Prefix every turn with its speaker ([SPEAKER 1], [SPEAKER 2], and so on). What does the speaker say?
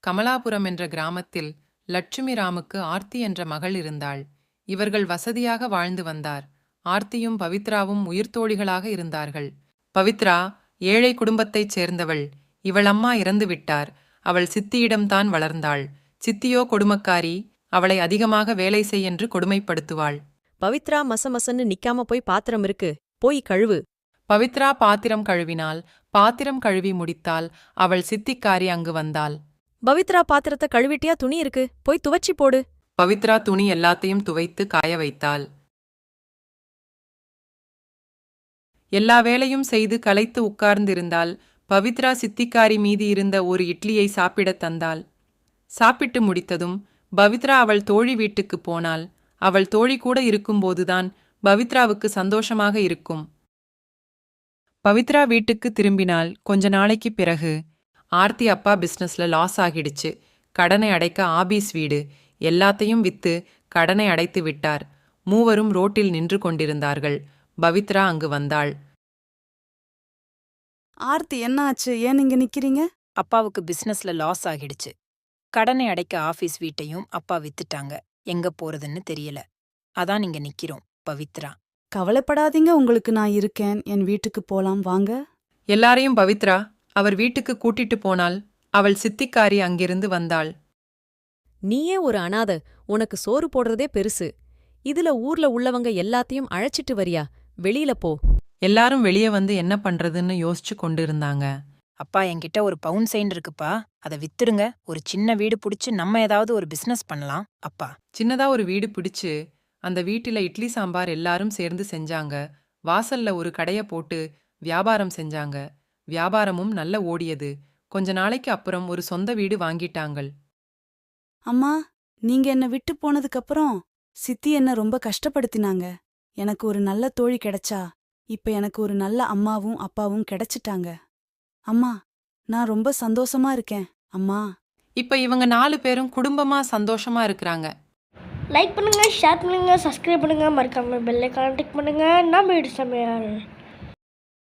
[SPEAKER 1] கமலாபுரம் என்ற கிராமத்தில் லட்சுமி ராமுக்கு ஆர்த்தி என்ற மகள் இருந்தாள். இவர்கள் வசதியாக வாழ்ந்து வந்தார். ஆர்த்தியும் பவித்ராவும் உயிர்த்தோழிகளாக இருந்தார்கள். பவித்ரா ஏழை குடும்பத்தைச் சேர்ந்தவள். இவள் அம்மா இறந்து விட்டார். அவள் சித்தியிடம்தான் வளர்ந்தாள். சித்தியோ கொடுமக்காரி. அவளை அதிகமாக வேலை செய் என்று கொடுமைப்படுத்துவாள்.
[SPEAKER 2] பவித்ரா மசமசன்னு நிக்காம போய் பாத்திரம் இருக்கு, போய் கழுவு.
[SPEAKER 1] பவித்ரா பாத்திரம் கழுவினாள். பாத்திரம் கழுவி முடித்தால் அவள் சித்திக்காரி அங்கு வந்தாள்.
[SPEAKER 2] பவித்ரா பாத்திரத்தை கழுவிட்டியா? துணி இருக்கு, போய் துவச்சி போடு.
[SPEAKER 1] பவித்ரா துணி எல்லாத்தையும் துவைத்து காய வைத்தாள். எல்லா வேலையும் செய்து களைத்து உட்கார்ந்திருந்தாள். பவித்ரா சித்திக்காரி மீதி இருந்த ஒரு இட்லியை சாப்பிடத் தந்தாள். சாப்பிட்டு முடித்ததும் பவித்ரா அவள் தோழி வீட்டுக்குப் போனாள். அவள் தோழி கூட இருக்கும்போதுதான் பவித்ராவுக்கு சந்தோஷமாக இருக்கும். பவித்ரா வீட்டுக்கு திரும்பினாள். கொஞ்ச நாளைக்கு பிறகு ஆர்த்தி அப்பா பிசினஸ்ல லாஸ் ஆகிடுச்சு. கடனை அடைக்க ஆபீஸ் வீடு எல்லாத்தையும் வித்து கடனை அடைத்து விட்டார். மூவரும் ரோட்டில் நின்று கொண்டிருந்தார்கள். பவித்ரா அங்கு வந்தாள்.
[SPEAKER 3] ஆர்த்தி, என்ன ஆச்சு? ஏன் இங்க நிக்கிறீங்க?
[SPEAKER 4] அப்பாவுக்கு பிசினஸ்ல லாஸ் ஆகிடுச்சு. கடனை அடைக்க ஆபீஸ் வீட்டையும் அப்பா வித்துட்டாங்க. எங்க போறதுன்னு தெரியல. அதான் இங்க நிக்கிறோம். பவித்ரா.
[SPEAKER 3] கவலைப்படாதீங்க, உங்களுக்கு நான் இருக்கேன். என் வீட்டுக்கு போலாம் வாங்க.
[SPEAKER 1] எல்லாரையும் பவித்ரா அவர் வீட்டுக்கு கூட்டிட்டு போனாள். அவள் சித்திக்காரி அங்கிருந்து வந்தாள்.
[SPEAKER 2] நீயே ஒரு அனாதை, உனக்கு சோறு போடுறதே பெருசு. இதுல ஊர்ல உள்ளவங்க எல்லாத்தையும் அழைச்சிட்டு வரியா? வெளியில போ.
[SPEAKER 1] எல்லாரும் வெளியே வந்து என்ன பண்றதுன்னு யோசிச்சு கொண்டிருந்தாங்க.
[SPEAKER 4] அப்பா, என்கிட்ட ஒரு பவுன் செயின் இருக்குப்பா, அதை வித்துருங்க. ஒரு சின்ன வீடு புடிச்சு நம்ம ஏதாவது ஒரு பிசினஸ் பண்ணலாம். அப்பா.
[SPEAKER 1] சின்னதா ஒரு வீடு பிடிச்சு அந்த வீட்டில இட்லி சாம்பார் எல்லாரும் சேர்ந்து செஞ்சாங்க. வாசல்ல ஒரு கடைய போட்டு வியாபாரம் செஞ்சாங்க. வியாபாரமும் நல்ல ஓடியது. கொஞ்ச நாளைக்கு அப்புறம் ஒரு சொந்த வீடு வாங்கிட்டாங்கள்.
[SPEAKER 3] அம்மா, நீங்க என்ன விட்டு போனதுக்கு அப்புறம் சித்தி என்ன ரொம்ப கஷ்டப்படுத்தினாங்க. எனக்கு ஒரு நல்ல தோழி கிடைச்சா இப்ப எனக்கு ஒரு நல்ல அம்மாவும் அப்பாவும் கிடைச்சிட்டாங்க. அம்மா, நான் ரொம்ப சந்தோஷமா இருக்கேன். அம்மா.
[SPEAKER 1] இப்ப இவங்க 4 பேரும் குடும்பமா சந்தோஷமா இருக்கிறாங்க.
[SPEAKER 5] லைக் பண்ணுங்க, ஷேர் பண்ணுங்க, சப்ஸ்கிரைப் பண்ணுங்க, மறக்காம பெல் ஐகானை கிளிக் பண்ணுங்க. நம்ம வீடு சமையல்.